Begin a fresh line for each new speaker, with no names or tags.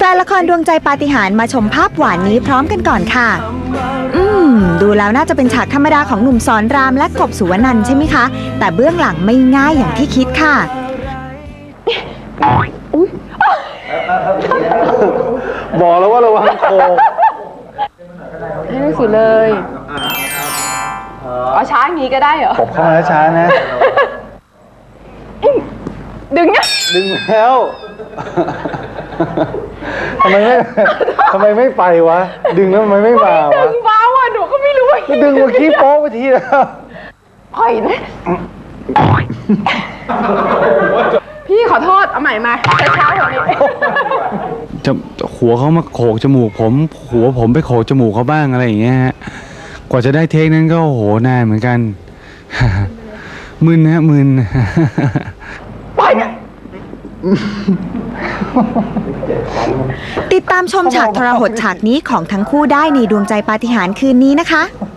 นละครดวงใจปาฏิหาริย์มาชมภาพหวานนี้พร้อมกันก่อนค่ะดูแล้วน่าจะเป็นฉากธรรมดาของหนุ่มสอนรามและกบสุวรรณันท์ใช่ไหมคะแต่เบื้องหลังไม่ง่ายอย่างที่คิดค่ะ
บอกแล้วว่าระวังโคง
ให้ไม่สุดเลยเอาช้าอย่างนี้ก็ได้เหรอ
กบเข้ามาช้าๆนะ
ดึงเนี่ย
ดึงแล้วทำไมไม่ไปวะดึงแล้วทำไมไม่มาวะ
ดึงเบาอ่ะหนูก็ไม่รู้ว่า
ดึงเมื่อกี้โป๊ะไปทีแล้ว
ปล่อยนะพี่ขอโทษเอาใหม่มาช้าๆกว่านี้
จะหัวเขามาโขกจมูกผมหัวผมไปโขกจมูกเขาบ้างอะไรอย่างเงี้ยฮะกว่าจะได้เทคนั้นก็โอ้โหนานเหมือนกันมึนนะมึน
ติดตามชมฉากทรหดฉากนี้ของทั้งคู่ได้ในดวงใจปาฏิหาริย์คืนนี้นะคะ